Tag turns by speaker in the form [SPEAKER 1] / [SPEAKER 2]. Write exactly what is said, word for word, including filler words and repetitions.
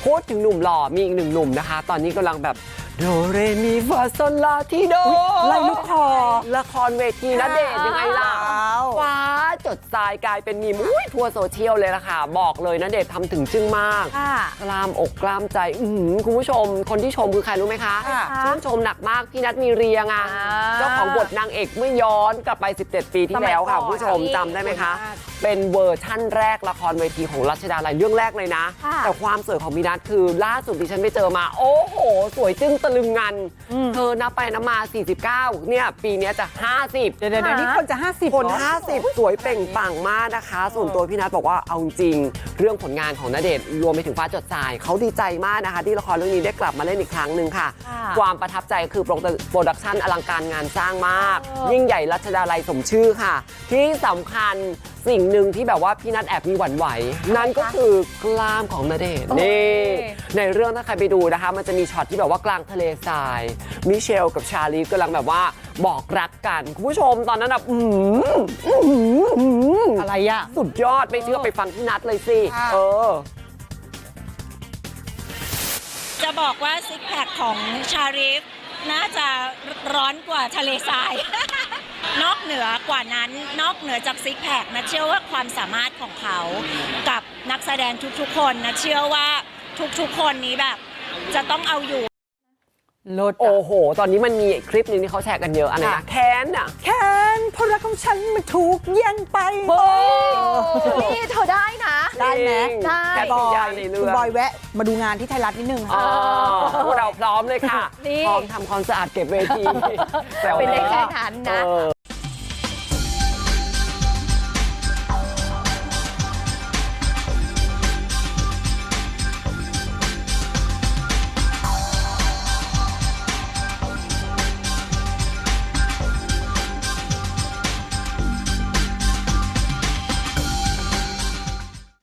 [SPEAKER 1] พูดถึงหนุ่มหล่อมีอีกหนึ่งหนุ่มนะคะ ตอนนี้กำลังแบบโดเรมีฟาโซลาทีโด
[SPEAKER 2] ไล่ลูกคอ
[SPEAKER 1] ละครเวทีณเดชน์ยังไงล่ะฟ้าจดทรายกลายเป็นมีมอุ้ยทั่วโซเชียลเลยล่ะค่ะ บอกเลยณเดชน์ทำถึงจึ้งมากกล้ามอกกล้ามใจอื้อหือคุณผู้ชมคนที่ชมคือใครรู้ไหมคะชื่นชมหนักมากพี่นัทมีเรียงอ่ะเจ้าของบทนางเอกเมื่อย้อนกลับไปสิบเจ็ดปีที่แล้วค่ะคุณผู้ชมจำได้ไหมคะเป็นเวอร์ชั่นแรกละครเวทีของรัชดาลัยเรื่องแรกเลยนะแต่ความสวยของพี่นัทคือล่าสุดดิฉันไปเจอมาโอ้โหสวยจึ้งตะลึงงันเธอนับไปนับมาสี่สิบเก้าเนี่ยปีนี้จะห้าสิบ
[SPEAKER 2] เดี๋ยวเดี๋ยวนี้คนจะห้าสิบ
[SPEAKER 1] คนห้าสิบสวยเปล่งปลั่งมากนะคะส่วนตัวพี่นัทบอกว่าเอาจริงเรื่องผลงานของณเดชน์รวมไปถึงฟ้าจดทรายเขาดีใจมากนะคะที่ละครเรื่องนี้ได้กลับมาเล่นอีกครั้งหนึ่งค่ะความประทับใจคือโปรดักชันอลังการงานสร้างมากยิ่งใหญ่รัชดาลัยสมชื่อค่ะที่สำคัญสิ่งหนึ่งที่แบบว่าพี่นัทแอบมีหวั่นไหวนั่นก็คือกล้ามของณเดชน์นี่ในเรื่องถ้าใครไปดูนะคะมันจะมีช็อตที่แบบว่ากลางทะเลทรายมิเชลกับชาลีฟกำลังแบบว่าบอกรักกันคุณผู้ชมตอนนั้นแบบอืม
[SPEAKER 2] อะไรอะ
[SPEAKER 1] สุดยอดไม่เชื่อไปฟังพี่นัทเลยสิเออ
[SPEAKER 3] จะบอกว่าซิกแพคของชาริฟน่าจะร้อนกว่าทะเลทราย นอกเหนือกว่านั้นนอกเหนือจากซิกแพคนะเชื่อว่าความสามารถของเขากับนักแสดงทุกๆคนนะเชื่อว่าทุกๆคนนี้แบบจะต้องเอาอยู่
[SPEAKER 1] โอ้โหตอนนี้มันมีคลิปนึงที่เขาแชร์กันเยอะอะไรนะแค้นอ่ะ
[SPEAKER 2] แค้นเพราะรักของฉันมันถูกแย่งไป
[SPEAKER 4] นี่เธอได้นะ
[SPEAKER 2] ได้ไหม
[SPEAKER 4] ได้
[SPEAKER 1] แต่บอย
[SPEAKER 2] คุณบอยแวะมาดูงานที่ไทยรัฐนิดนึงค่ะ
[SPEAKER 1] พวกเราพร้อมเลยค่ะพร้อมทำความสะอาดเก็บเวที
[SPEAKER 4] เป็นได้แค่นั้นนะ